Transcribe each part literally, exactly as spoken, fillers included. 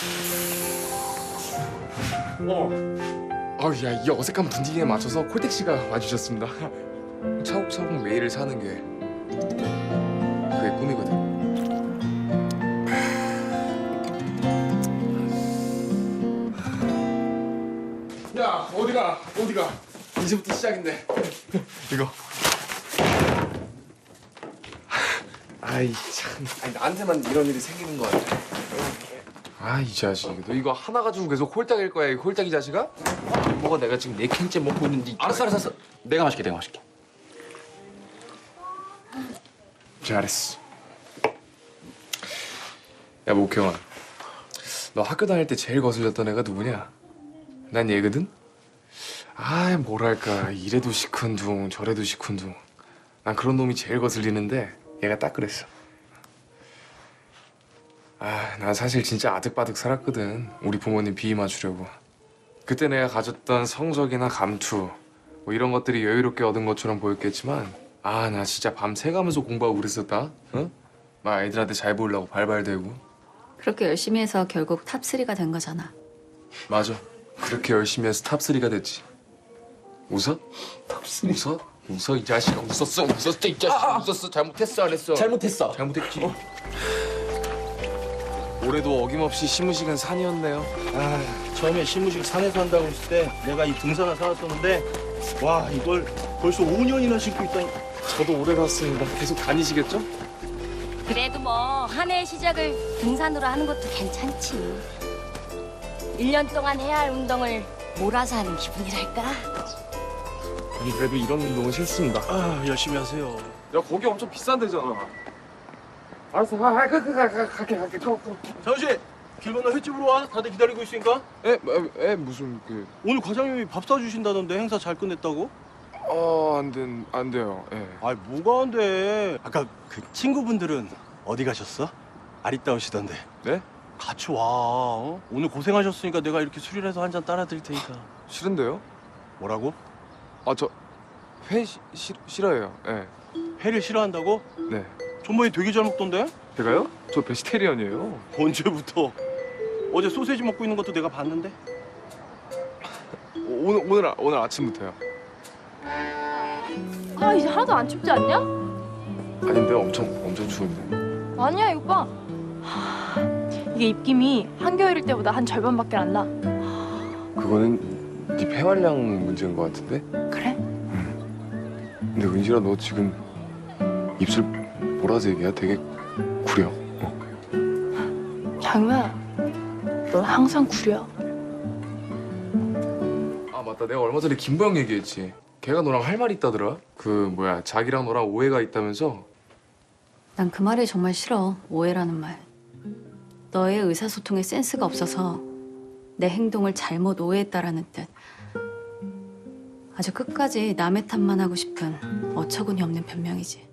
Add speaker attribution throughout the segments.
Speaker 1: 어. 아우 야, 이 어색한 분위기에 맞춰서 콜택 씨가 와주셨습니다. 차곡차곡 매일을 사는 게 그게 꿈이거든. 야, 어디가? 어디가? 이제부터 시작인데. 이거. 아이 참, 아니, 나한테만 이런 일이 생기는 거 같아. 아, 이 자식, 너 이거 하나 가지고 계속 홀딱일 거야, 이 홀딱이 자식아? 뭐가 내가 지금 네 캔째 먹고 있는지.
Speaker 2: 알았어, 알았어, 알았어. 내가 마실게, 내가 마실게.
Speaker 1: 잘했어. 야, 목형아, 너 학교 다닐 때 제일 거슬렸던 애가 누구냐? 난 얘거든? 아, 뭐랄까, 이래도 시큰둥, 저래도 시큰둥. 난 그런 놈이 제일 거슬리는데 얘가 딱 그랬어. 아, 난 사실 진짜 아득바득 살았거든. 우리 부모님 비위 맞추려고. 그때 내가 가졌던 성적이나 감투 뭐 이런 것들이 여유롭게 얻은 것처럼 보였겠지만 아, 나 진짜 밤 새가면서 공부하고 그랬었다. 응? 막 애들한테 잘 보이려고 발발대고.
Speaker 3: 그렇게 열심히 해서 결국 탑쓰리가 된 거잖아.
Speaker 1: 맞아. 그렇게 열심히 해서 탑쓰리가 됐지. 웃어? 탑쓰리? 웃어? 웃어, 이 자식아. 웃었어, 웃었어, 이 자식아. 아, 아. 웃었어. 잘못했어, 안 했어?
Speaker 2: 잘못했어.
Speaker 1: 잘못했지. 어? 올해도 어김없이 시무식은 산이었네요.
Speaker 4: 아, 처음에 시무식 산에서 한다고 했을 때 내가 이 등산화 사왔었는데 와, 이걸 벌써 오 년이나 신고 있다니.
Speaker 1: 저도 오래 갔습니다. 계속 다니시겠죠?
Speaker 5: 그래도 뭐 한 해의 시작을 등산으로 하는 것도 괜찮지. 일 년 동안 해야 할 운동을 몰아서 하는 기분이랄까?
Speaker 1: 아니, 그래도 이런 운동은 싫습니다.
Speaker 4: 아, 열심히 하세요.
Speaker 1: 야, 거기 엄청 비싼 데잖아. 알았어, 가, 가, 가, 가, 가, 갈게, 갈게. 가, 가.
Speaker 4: 장훈 씨, 길 건너 횟집으로 와. 다들 기다리고 있으니까.
Speaker 1: 에, 에, 에, 무슨 그...
Speaker 4: 오늘 과장님이 밥 사주신다던데 행사 잘 끝냈다고?
Speaker 1: 어, 안 된, 안 돼요. 예.
Speaker 4: 아, 뭐가 안 돼. 아까 그 친구분들은 어디 가셨어? 아리따우시던데.
Speaker 1: 네?
Speaker 4: 같이 와. 어? 오늘 고생하셨으니까 내가 이렇게 술이라도 해서 한 잔 따라 드릴 테니까.
Speaker 1: 싫은데요?
Speaker 4: 뭐라고?
Speaker 1: 아, 저 회 시, 시, 싫어해요. 예.
Speaker 4: 회를 싫어한다고?
Speaker 1: 네.
Speaker 4: 전번에 되게 잘 먹던데?
Speaker 1: 제가요? 저 베지테리언이에요.
Speaker 4: 언제부터? 어제 소세지 먹고 있는 것도 내가 봤는데?
Speaker 1: 오, 오늘 오늘 아- 오늘 아침부터요.
Speaker 6: 아 이제 하나도 안 춥지 않냐?
Speaker 1: 아닌데 엄청 엄청 추운데.
Speaker 6: 아니야 이거 봐. 하, 이게 입김이 한겨울일 때보다 한 절반밖에 안 나.
Speaker 1: 그거는 네 폐활량 문제인 것 같은데?
Speaker 6: 그래?
Speaker 1: 근데 은실아, 너 지금 입술 보라색이야. 되게 구려. 어.
Speaker 6: 장우야, 넌 항상 구려.
Speaker 1: 아, 맞다. 내가 얼마 전에 김보영 얘기했지. 걔가 너랑 할 말 있다더라. 그 뭐야, 자기랑 너랑 오해가 있다면서.
Speaker 3: 난 그 말이 정말 싫어. 오해라는 말. 너의 의사소통에 센스가 없어서 내 행동을 잘못 오해했다라는 뜻. 아주 끝까지 남의 탓만 하고 싶은 어처구니 없는 변명이지.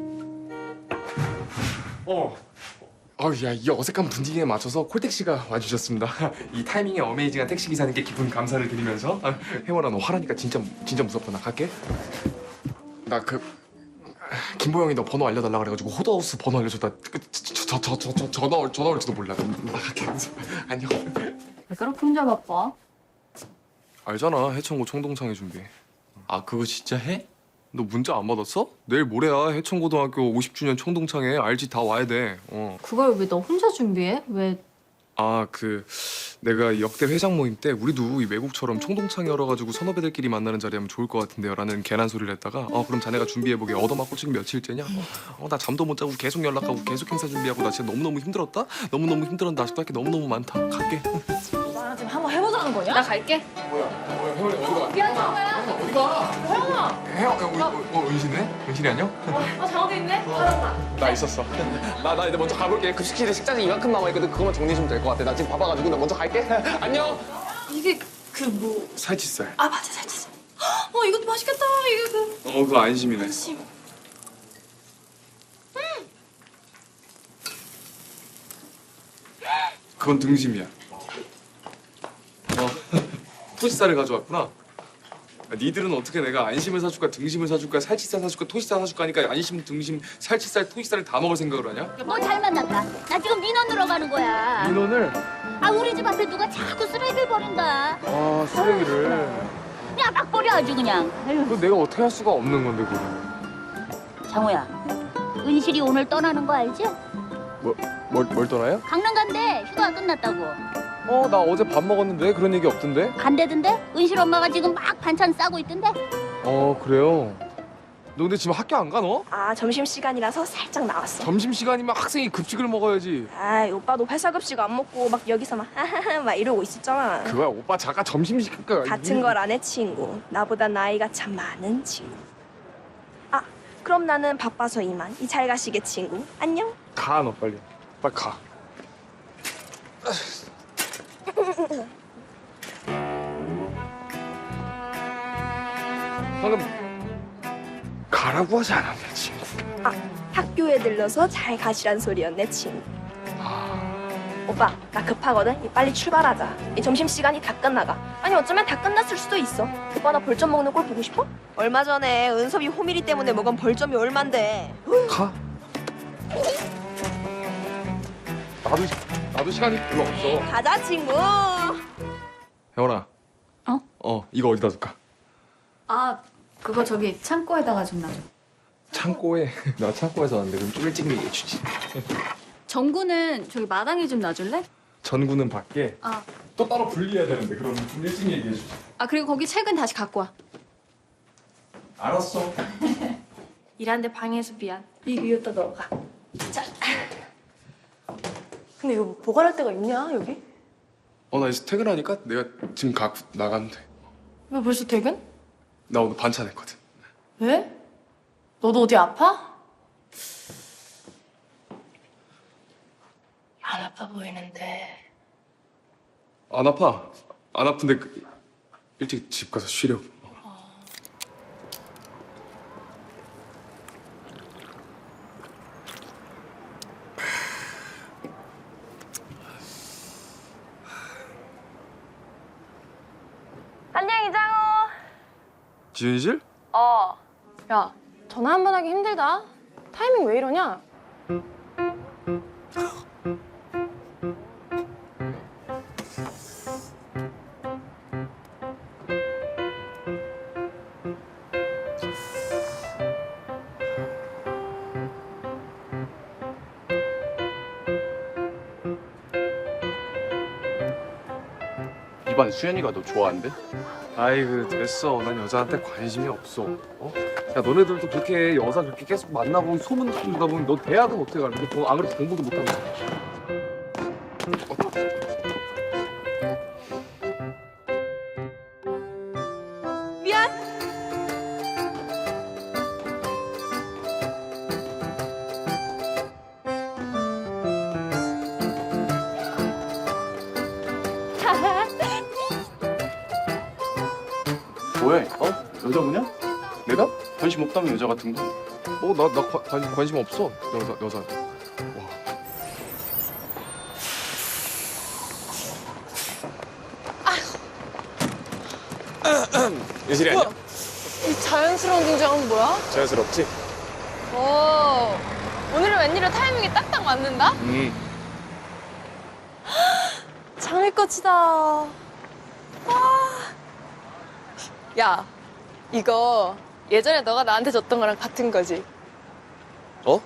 Speaker 1: 어. 아우 야, 이 어색한 분위기에 맞춰서 콜택 씨가 와주셨습니다. 이 타이밍에 어메이징한 택시 기사님께 깊은 감사를 드리면서 아, 혜원아, 너 화나니까 진짜 진짜 무섭다. 나 갈게. 나 그 김보영이 너 번호 알려달라 그래가지고 호더하우스 번호 알려줬다. 저 저 저 저 전화 올 전화 올지도 몰라. 나 갈게. 안녕.
Speaker 3: 왜 그렇게 혼자 바빠?
Speaker 1: 알잖아, 해천고 총동창회 준비.
Speaker 2: 아, 그거 진짜 해?
Speaker 1: 너 문자 안 받았어? 내일 모레야 해천고등학교 오십 주년 총동창회. 알지? 다 와야 돼. 어.
Speaker 3: 그걸 왜 너 혼자 준비해? 왜?
Speaker 1: 아, 그 내가 역대 회장 모임 때 우리도 이 외국처럼 총동창회 열어가지고 선후배들끼리 만나는 자리 하면 좋을 것 같은데요 라는 괜한 소리를 했다가 어 그럼 자네가 준비해보게. 얻어맞고 지금 며칠째냐? 어 나 잠도 못 자고 계속 연락하고 계속 행사 준비하고 나 진짜 너무너무 힘들었다? 너무너무 힘들었는데 아직도 할 게 너무너무 많다. 갈게.
Speaker 6: 나랑 지금 한번 해보자는 거냐?
Speaker 3: 나 갈게.
Speaker 1: 뭐야? 뭐야? 혜원이 어디가?
Speaker 6: 미안 장우야.
Speaker 1: 어디가?
Speaker 6: 혜원아.
Speaker 1: 혜원, 어, 어, 어, 은신네? 은신이 안녕?
Speaker 6: 아 장우도 있네. 알았다.
Speaker 1: 나 있었어. 나, 나 이제 먼저 가볼게. 급식실에 식자재 이만큼 남아있거든. 그거만 정리해 주면 될 것 같아. 나 지금 바빠가지고 나 먼저 갈게. 안녕.
Speaker 6: 이게 그 뭐?
Speaker 1: 살치살.
Speaker 6: 아 맞아 살치. 어 이것도 맛있겠다. 이게 그.
Speaker 1: 어, 그거 안심이네.
Speaker 6: 심.
Speaker 1: 그건 등심이야. 어, 토시살을 가져왔구나. 니들은 어떻게 내가 안심을 사줄까, 등심을 사줄까, 살치살 사줄까, 토시살 사줄까 하니까 안심, 등심, 살치살, 토시살을 다 먹을 생각을 하냐?
Speaker 5: 너 잘 만났다. 나 지금 민원으로 가는 거야.
Speaker 1: 민원을?
Speaker 5: 아 우리 집 앞에 누가 자꾸 쓰레기를 버린다.
Speaker 1: 아 쓰레기를.
Speaker 5: 그냥 막 버려 아주 그냥. 아유.
Speaker 1: 그 내가 어떻게 할 수가 없는 건데 그걸.
Speaker 5: 장호야, 은실이 오늘 떠나는 거 알지?
Speaker 1: 뭘, 뭘 떠나요?
Speaker 5: 강릉 간대. 휴가 끝났다고.
Speaker 1: 어 나 어제 밥 먹었는데 그런 얘기 없던데?
Speaker 5: 간대던데? 은실 엄마가 지금 막 반찬 싸고 있던데?
Speaker 1: 어 그래요. 너 근데 지금 학교 안 가 너?
Speaker 7: 아, 점심시간이라서 살짝 나왔어.
Speaker 1: 점심시간이면 학생이 급식을 먹어야지.
Speaker 7: 아, 오빠도 회사 급식 안 먹고 막 여기서 막 하하하 막 이러고 있었잖아.
Speaker 1: 그거야 오빠 잠깐 점심시간
Speaker 7: 같은 걸 안 해, 친구. 나보다 나이가 참 많은 친구. 아, 그럼 나는 바빠서 이만. 이 잘 가시게, 친구. 안녕.
Speaker 1: 가 너 빨리. 빨리 가. 방금 가라고 하지 않았냐 친구.
Speaker 7: 아, 학교에 들러서 잘 가시란 소리였네, 친구. 오빠, 나 급하거든. 이 빨리 출발하자. 이 점심시간이 다 끝나가. 아니, 어쩌면 다 끝났을 수도 있어. 오빠, 나 벌점 먹는 꼴 보고 싶어? 얼마 전에 은섭이 호미리 때문에 먹은 벌점이 얼만데.
Speaker 1: 가. 나도 나도 시간이 별로 없어.
Speaker 7: 가자, 친구.
Speaker 1: 혜원아.
Speaker 3: 어?
Speaker 1: 어 이거 어디다 둘까?
Speaker 3: 아 그거 저기 창고에다가 좀 놔줘.
Speaker 1: 창고에. 나 창고에서 왔는데 그럼 좀 일찍 얘기해 주지.
Speaker 3: 정구는 저기 마당에 좀 놔줄래?
Speaker 1: 전구는 밖에.
Speaker 3: 아,
Speaker 1: 또 따로 분리해야 되는데 그럼 좀 일찍 얘기해 주지.
Speaker 3: 아 그리고 거기 책은 다시 갖고 와.
Speaker 1: 알았어.
Speaker 6: 일하는데 방해해서 미안. 이 위에다 넣어가. 자. 근데 이거 보관할 데가 있냐 여기?
Speaker 1: 어 나 이제 퇴근하니까 내가 지금 갖고 나가면 돼.
Speaker 6: 왜 벌써 퇴근?
Speaker 1: 나 오늘 반찬 했거든.
Speaker 6: 왜? 너도 어디 아파? 안 아파 보이는데.
Speaker 1: 안 아파. 안 아픈데 그, 일찍 집 가서 쉬려고.
Speaker 6: 안녕 이장호.
Speaker 1: 지은실?
Speaker 6: 어. 야, 전화 한 번 하기 힘들다. 타이밍 왜 이러냐?
Speaker 2: 이반 수연이가 너 좋아한대?
Speaker 1: 아이고 됐어. 난 여자한테 관심이 없어. 어? 야 너네들도 그렇게 여자 그렇게 계속 만나고 소문 듣다 보면 너 대학은 어떻게 가는데? 너 안 그래도 공부도 못하고.
Speaker 7: 미안.
Speaker 2: 뭐해? 어? 여자분이야?
Speaker 1: 내가?
Speaker 2: 관심 없다며 여자 같은 거.
Speaker 1: 어나 나 관심 관심 없어. 여자 여자한테. 와. 유실이 아니야?
Speaker 6: 이 자연스러운 등장은 뭐야?
Speaker 1: 자연스럽지?
Speaker 6: 오. 오늘은 웬일로 타이밍이 딱딱 맞는다?
Speaker 1: 음.
Speaker 6: 장미꽃이다. 아. 야, 이거 예전에 너가 나한테 줬던 거랑 같은 거지?
Speaker 1: 어?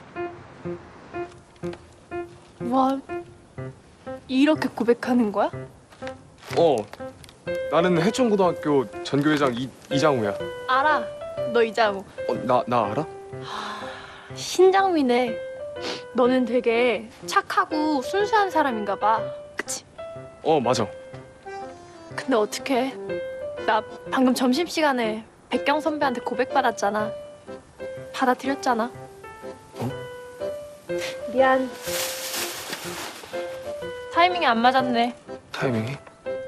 Speaker 6: 와, 이렇게 고백하는 거야?
Speaker 1: 어. 나는 해천고등학교 전교회장 이, 이장우야.
Speaker 6: 알아. 너 이장우.
Speaker 1: 어, 나, 나 알아?
Speaker 6: 신장미네. 너는 되게 착하고 순수한 사람인가 봐. 그치?
Speaker 1: 어, 맞아.
Speaker 6: 근데 어떡해. 나 방금 점심시간에 백경 선배한테 고백받았잖아. 받아들였잖아.
Speaker 1: 어?
Speaker 6: 미안. 타이밍이 안 맞았네.
Speaker 1: 타이밍이?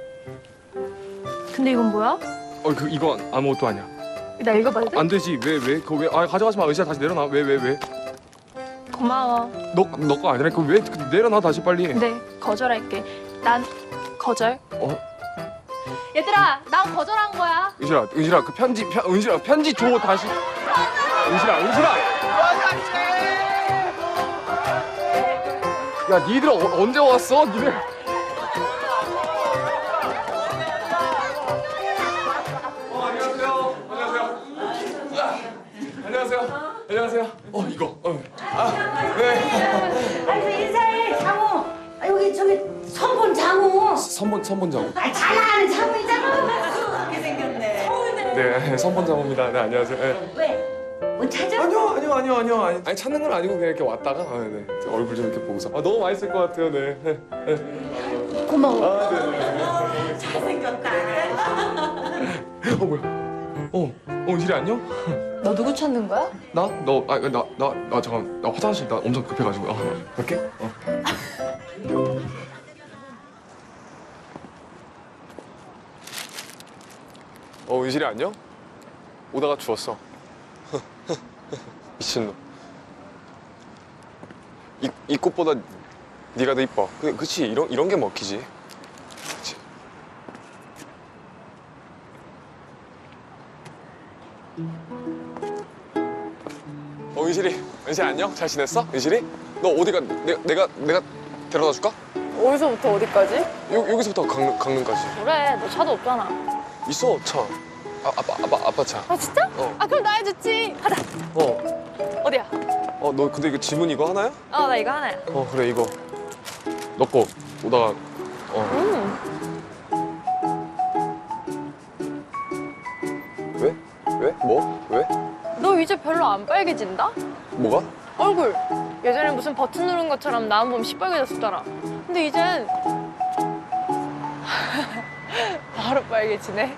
Speaker 6: 근데 이건 뭐야?
Speaker 1: 어, 그, 이거 아무것도 아니야.
Speaker 6: 나 읽어봐도 돼?
Speaker 1: 안 되지. 왜, 왜? 그거 왜? 아, 가져가지 마. 의자 다시 내려놔. 왜, 왜, 왜?
Speaker 6: 고마워.
Speaker 1: 너, 너 거 아니라. 그거 왜? 내려놔, 다시 빨리.
Speaker 6: 근데 거절할게. 난 거절.
Speaker 1: 어?
Speaker 6: 얘들아, 난 거절한 거야.
Speaker 1: 은실아, 은실아, 그 편지, 편, 은실아, 편지 줘, 다시. 은실아, 은실아! 야, 니들 어, 언제 왔어? 니들.
Speaker 5: 아니 저기 선본 장우.
Speaker 1: 선본 선본 장우.
Speaker 5: 아, 잘 나가는 장우이잖아. 그렇게 생겼네.
Speaker 1: 네, 선본 장우입니다. 네, 안녕하세요. 네.
Speaker 5: 왜? 뭐 찾아?
Speaker 1: 아니요, 아니요, 아니요, 아니요. 아니, 아니 찾는 건 아니고 그냥 이렇게 왔다가 아, 네. 제 얼굴 좀 이렇게 보고서 아, 너무 맛있을 것 같아요. 네. 네. 네.
Speaker 5: 고마워.
Speaker 1: 아, 네, 네.
Speaker 5: 잘생겼다.
Speaker 1: 어 뭐야? 어, 어 이슬이 안녕?
Speaker 6: 너 누구 찾는 거야?
Speaker 1: 나? 너? 아, 나, 나, 나 잠깐. 나 화장실 나 엄청 급해가지고. 어, 갈게. 어. 어, 이슬이 안녕? 오다가 죽었어. 미친놈. 이, 이 꽃보다 네가 더 이뻐. 그, 그치? 이런, 이런 게 먹히지. 그치? 어, 은실이. 은실이 안녕? 잘 지냈어? 은실이? 너 어디가, 내가, 내가, 내가 데려다 줄까?
Speaker 6: 어디서부터 어디까지?
Speaker 1: 여, 여기서부터 강릉, 강릉까지.
Speaker 6: 그래, 너 차도 없잖아.
Speaker 1: 있어, 차. 아, 아빠, 아빠, 아빠 차.
Speaker 6: 아 진짜?
Speaker 1: 어.
Speaker 6: 아 그럼 나 해줬지. 가자.
Speaker 1: 어.
Speaker 6: 어디야?
Speaker 1: 어, 너 근데 이거 지문 이거 하나야?
Speaker 6: 어 나 이거 하나야.
Speaker 1: 어, 그래, 이거. 너 거 오다가, 어.
Speaker 6: 음.
Speaker 1: 왜? 왜? 뭐? 왜?
Speaker 6: 너 이제 별로 안 빨개진다?
Speaker 1: 뭐가?
Speaker 6: 얼굴. 예전에 무슨 버튼 누른 것처럼 나온 봄 시뻘개졌었잖아. 근데 이젠 바로 빨개지네.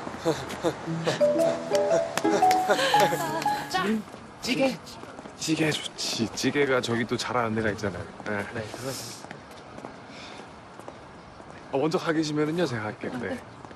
Speaker 1: 찌개. 찌개 좋지. 찌개가 저기 또 잘하는 데가 있잖아요. 네. 네, 어, 먼저 가 계시면은요, 제가 할게요. 네.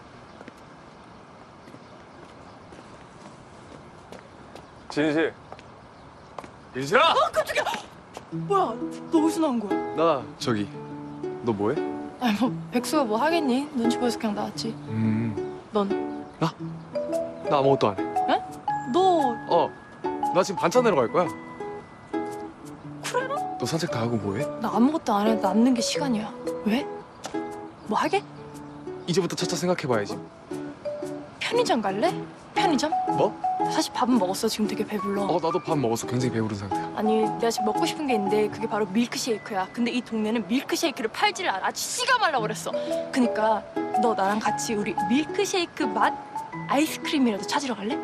Speaker 1: 진실. 진실아!
Speaker 6: 뭐야? 너 어디서 나온 거야?
Speaker 1: 나 저기. 너 뭐해?
Speaker 6: 아니 뭐 백수가 뭐 하겠니? 눈치 보여서 그냥 나왔지.
Speaker 1: 음.
Speaker 6: 넌?
Speaker 1: 나 아무것도 안 해.
Speaker 6: 너
Speaker 1: 어. 나 지금 반찬 내러 갈 거야. 그래라? 너 산책 다 하고 뭐해?
Speaker 6: 나 아무것도 안 해도 남는 게 시간이야. 왜? 뭐 하게?
Speaker 1: 이제부터 차차 생각해봐야지.
Speaker 6: 편의점 갈래? 편의점?
Speaker 1: 뭐?
Speaker 6: 사실 밥은 먹었어. 지금 되게 배불러.
Speaker 1: 어, 나도 밥 먹었어. 굉장히 배부른 상태야.
Speaker 6: 아니 내가 지금 먹고 싶은 게 있는데 그게 바로 밀크쉐이크야. 근데 이 동네는 밀크쉐이크를 팔지를 않아. 아주 씨가 말라버렸어. 그니까 너 나랑 같이 우리 밀크쉐이크 맛 아이스크림이라도 찾으러 갈래?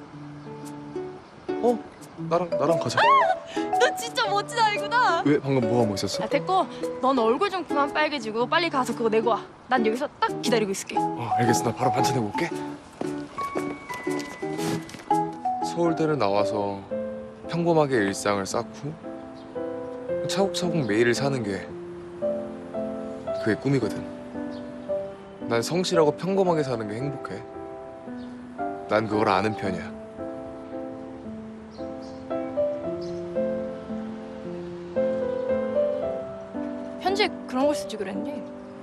Speaker 1: 어? 나랑 나랑 가자.
Speaker 6: 너 진짜 멋진 아이구나.
Speaker 1: 왜 방금 뭐 하고 있었어?
Speaker 6: 아 됐고 넌 얼굴 좀 그만 빨개지고 빨리 가서 그거 내고 와. 난 여기서 딱 기다리고 있을게.
Speaker 1: 어, 알겠어. 나 바로 반찬 내고 올게. 서울대를 나와서 평범하게 일상을 쌓고 차곡차곡 매일을 사는 게 그게 꿈이거든. 난 성실하고 평범하게 사는 게 행복해. 난 그걸 아는 편이야.
Speaker 6: 편지에 그런 걸 쓰지 그랬니?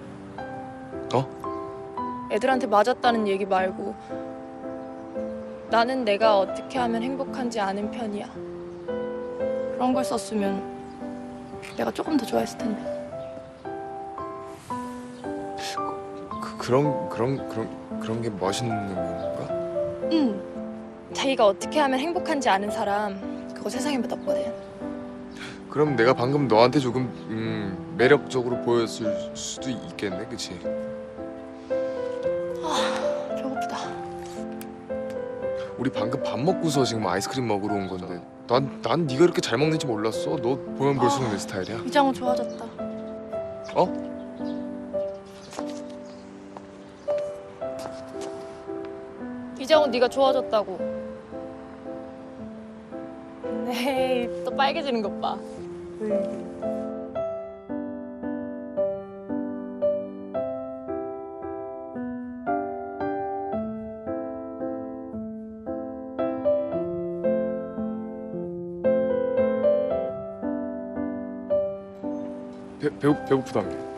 Speaker 1: 어?
Speaker 6: 애들한테 맞았다는 얘기 말고 나는 내가 어떻게 하면 행복한지 아는 편이야. 그런 걸 썼으면 내가 조금 더 좋아했을 텐데.
Speaker 1: 그, 그런 그런 그런 그런 게 멋있는 건가?
Speaker 6: 응. 자기가 어떻게 하면 행복한지 아는 사람 그거 세상에 몇 없거든.
Speaker 1: 그럼 내가 방금 너한테 조금 음, 매력적으로 보였을 수도 있겠네, 그치?
Speaker 6: 배고프다.
Speaker 1: 우리 방금 밥 먹고서 지금 아이스크림 먹으러 온 건데 난, 난 네가 이렇게 잘 먹는지 몰랐어. 너 보면 볼수록 내 스타일이야.
Speaker 6: 이장우 좋아졌다.
Speaker 1: 어?
Speaker 6: 이장우 네가 좋아졌다고. 네, 또 빨개지는 것 봐.
Speaker 1: 배, 배고, 배고프다며.